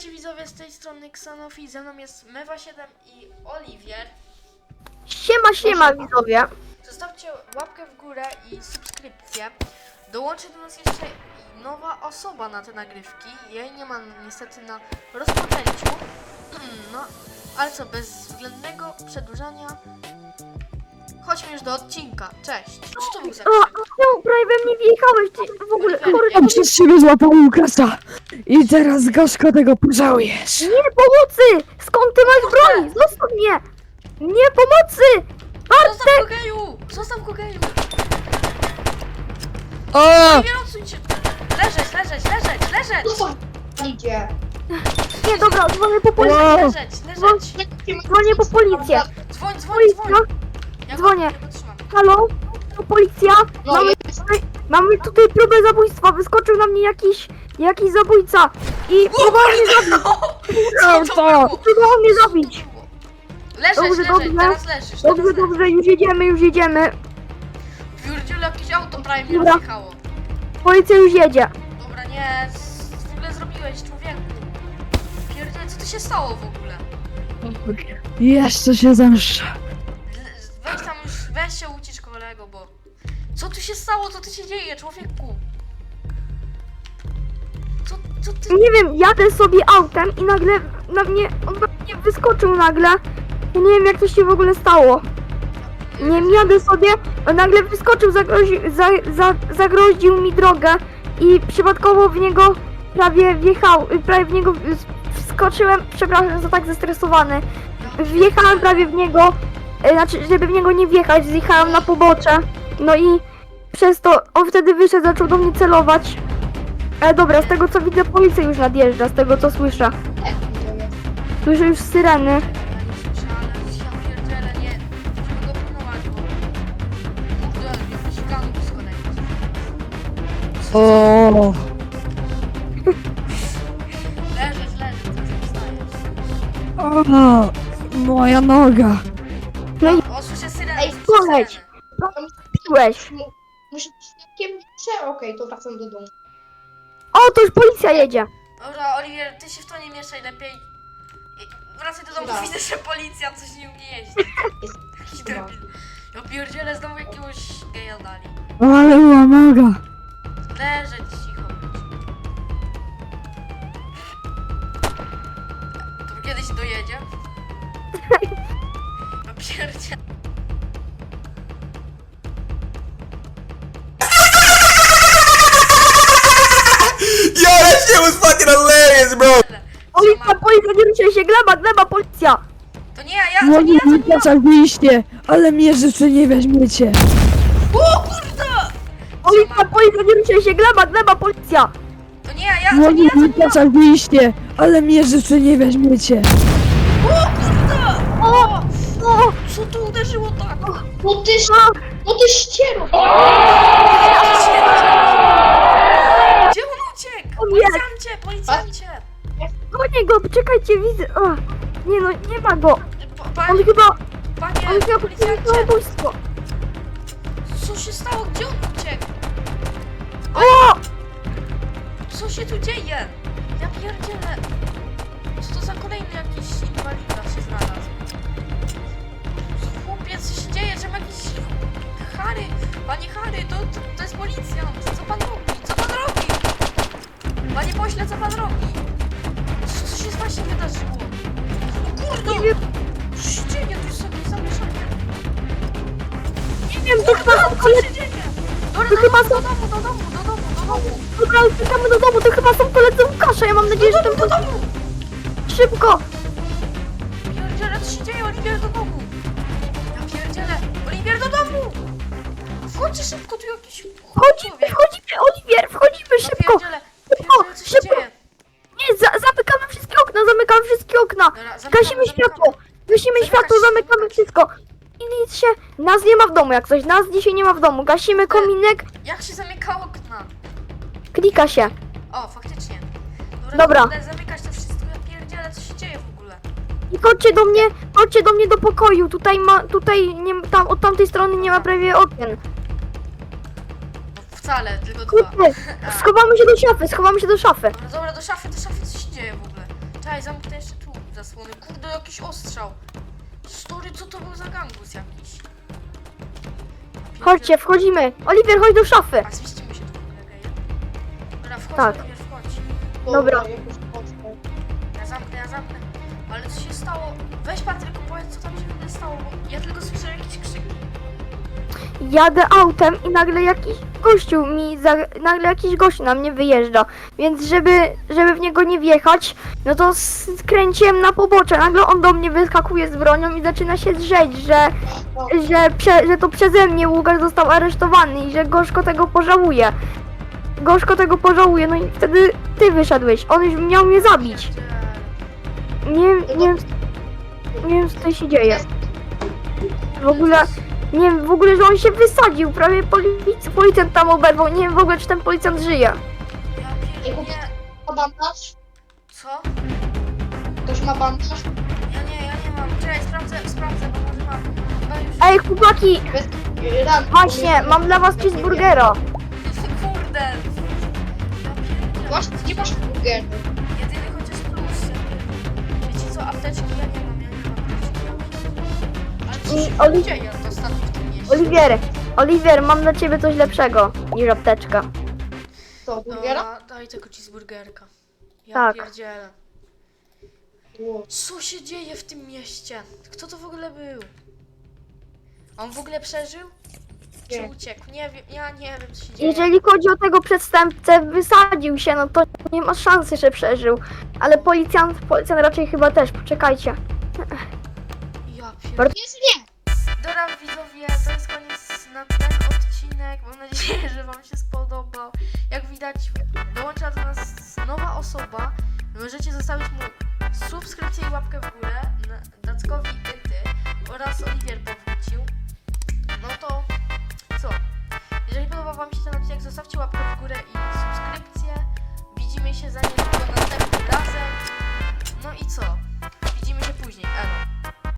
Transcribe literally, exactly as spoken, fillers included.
Witajcie widzowie, z tej strony Xanofi, ze mną jest Mewa siedem i Oliwier. Siema, siema widzowie. Zostawcie łapkę w górę i subskrypcję. Dołączy do nas jeszcze nowa osoba na te nagrywki. Jej nie ma niestety na rozpoczęciu. No, ale co, bez względnego przedłużania chodźmy już do odcinka. Cześć. Co to był za O, no, prawie we mnie wjechałeś, ty w ogóle chory. On przez ciebie złapał Łukasza i teraz gorzko tego pożałujesz. Nie, pomocy! Skąd ty masz broń? Zostaw mnie! Nie, pomocy! Zostaw Bartek! kogeju! Zostaw kogeju! O! Nie odsuń się! Leżeć, leżeć, leżeć, leżeć! Co tam idzie? Nie, dobra, dzwonię po policję. O! Leżeć, leżeć! Dzwonię po policję. Dzwoń, dzwoń, dzwoń! Policja, Ja go- dzwonię. ja go trzymam. halo? To policja? No, Mamy jest. tutaj, mamy tutaj próbę zabójstwa. Wyskoczył na mnie jakiś, jakiś zabójca. I próbował mnie zabić. Co to było? Próbował mnie zabić. Leżeć, Dobrze, leżeć, dobrze. teraz leżysz. Dobrze, teraz dobrze, już jedziemy, już jedziemy. Wiurdziule, jakieś auto prawie mnie Dobra. rozjechało. Policja już jedzie. Dobra, nie, z- w ogóle zrobiłeś, człowieku. Pierdziele, co tu się stało w ogóle? Jeszcze się zemszczę. L- Weź tam już, weź się ucisz kolego, bo... Co tu się stało, co tu się dzieje, człowieku? Co, co ty... Nie wiem, jadę sobie autem i nagle na mnie, on na mnie wyskoczył nagle. Ja nie wiem, jak to się w ogóle stało. Nie wiem, jadę sobie, a nagle wyskoczył, zagrozi, za, za, zagroził mi drogę i przypadkowo w niego prawie wjechał, prawie w niego wskoczyłem, przepraszam za tak zestresowany. Wjechałem prawie w niego, e, znaczy, żeby w niego nie wjechać, zjechałem na pobocze. No i przez to on wtedy wyszedł, zaczął do mnie celować. Ale dobra, z tego co widzę, policja już nadjeżdża, z tego co słyszę. Słyszę już syreny. Ja nie słyszę, ale ja pierdzielę, nie... Musimy go pilnować, bo... Kurde, jakiś gang z kolei. O! Leżysz, leżysz, co się wstajesz? O! Moja noga. No i O, słyszę syrenę, Ej, słyszę poleć. syrenę. piłeś. Muszę świadkiem prze... Okej, to wracam do domu. O, to już policja jedzie. Dobra, Oliwier, ty się w to nie mieszaj lepiej. I- Wracaj do domu, Dobra. widzę, że policja coś nie umie jeździć. Jest. Jakiś Dobra. debil. Ja pierdzielę, znowu jakiegoś geja dali. Ale była noga. Leżeć cicho. To kiedyś dojedzie? Ja pierdzielę. Yo, that shit was fucking hilarious, bro. Policja, policja, nie ruszaj się, gleba, gleba, policja. To nie ja, ja, to nie Moje ja, to nie ja. Łukasza wyjście, ale mnie rzeczy nie weźmiecie. O kurde! Policja, policja, nie ruszaj się, gleba, gleba, policja. To nie ja, ja, to Moje nie ja, to nie ja. Łukasza wyjście, ale mnie rzeczy nie weźmiecie. O kurde! O, o, Co tu uderzyło tak? No ty, ś- o. no ty ściero! Gdzie on uciekł? O nie. Policjancie, policjancie! Gonię go, czekajcie, widzę. O, nie no, nie ma go. Pa- On Panie, chyba, panie on chyba popełnił policjancie! samobójstwo. Co się stało? Gdzie on uciekł? O, Co się tu dzieje? Ja pierdzielę. Co to za kolejny jakiś inwalida się znalazł? Chłopiec, co się dzieje? Czemu jakiś... Harry, panie Harry, to, to, to jest policjant. Co pan robi? Co pan robi? Panie pośle, co pan robi? Co, co się właśnie wydarzyło? O kurde! nie wiem, Co się dzieje? Tu jest jakieś zamieszanie. nie wiem, to chyba są Co koledzy. się dzieje? Dobra, To do chyba domu, są- do domu, do domu, do domu, do domu. Dobra, uciekamy do domu, to chyba są koledzy Łukasza, ja mam nadzieję, że ten Do domu! szybko. Pierdziele, co się dzieje? Oliwier, do domu! Ja pierdzielę! Oliwier, do domu! Wchodźcie szybko, tu jakiś... Wchodzimy, wchodzimy, Oliwier, wchodzimy Ja szybko. pierdzielę, Szybko, pierdzielę, co się szybko. dzieje? Nie, za, zamykamy wszystkie okna, zamykamy wszystkie okna. Dobra, zamykamy, Gasimy zamykamy. światło, gasimy Zamykać światło, się, zamykamy zamykać. wszystko. I nic się, nas nie ma w domu jak coś, nas dzisiaj nie ma w domu. Gasimy kominek, Jak się zamyka okna? klika się. O, faktycznie. Dobra. kurde, Zamykać to wszystko, ja pierdzielę, co się dzieje w ogóle? I chodźcie do mnie, chodźcie do mnie do pokoju. Tutaj ma, tutaj nie, tam, od tamtej strony nie ma prawie okien. No wcale, tylko dwa. Kurde, schowamy się do szafy, schowamy się do szafy. Dobra, dobra, do szafy, do szafy, co się dzieje w ogóle? Czekaj, zamknę jeszcze tu zasłony. Kurde, jakiś ostrzał. Story, co to był za gangus jakiś? Chodźcie, wchodzimy. Oliwier, chodź do szafy. A zmieścimy się tu w ogóle, okej? Dobra, wchodź, Tak. Oliwier, wchodź. Dobra. jakoś mocno. Ja zamknę, ja zamknę. Ale co się stało? Weź Patryk, powiedz, co tam się w ogóle stało, bo ja tylko słyszę jakieś krzyki. Jadę autem i nagle jakiś gościu mi, za, nagle jakiś gościu na mnie wyjeżdża. Więc żeby, żeby w niego nie wjechać, no to skręciłem na pobocze. Nagle on do mnie wyskakuje z bronią i zaczyna się drzeć, że, że, prze, że to przeze mnie Łukasz został aresztowany i że gorzko tego pożałuje. Gorzko tego pożałuje, no i wtedy ty wyszedłeś. On już miał mnie zabić. Nie, nie, wiem, nie wiem co tutaj się dzieje. W ogóle, nie wiem, w ogóle, że on się wysadził, prawie polic policjant tam oberwał, nie wiem w ogóle, czy ten policjant żyje. Ja Ej, pierdolę. ma bandaż? Co? Ktoś ma bandaż? Ja nie, ja nie mam. Czekaj, sprawdzę, sprawdzę, bo może mam. Chyba już... Ej, chłopaki, Bez ran. właśnie, mam dla was cheeseburgera. Kurde! Ja pierdolę. Właśnie, nie masz burgeru. Jedyny chociaż plus. Wiecie co, apteczki ja nie mam, ja nie mam apteczki. Ale co I się Oli- dzieje ostatnio w tym mieście? Oliwier, Oliwier, mam dla ciebie coś lepszego niż apteczka. Co, burgera? Dobra, daj tego cheeseburgerka. Ja Tak. pierdzielę. Ło. Co się dzieje w tym mieście? Kto to w ogóle był? On w ogóle przeżył? Czy Nie. uciekł? Nie wiem, ja nie wiem co się dzieje. Jeżeli chodzi o tego przestępcę, wysadził się, no to nie ma szansy, że przeżył. Ale policjant, policjant raczej chyba też, poczekajcie. Ja pierdolę. Bardzo- Jest nie! Dobra widzowie, to jest koniec na ten odcinek. Mam nadzieję, że wam się spodobał. Jak widać, dołącza do nas nowa osoba. Możecie zostawić mu subskrypcję i łapkę w górę. Na- Dackowi Yty oraz Oliwier powrócił. No to co? Jeżeli podobał wam się ten odcinek, zostawcie łapkę w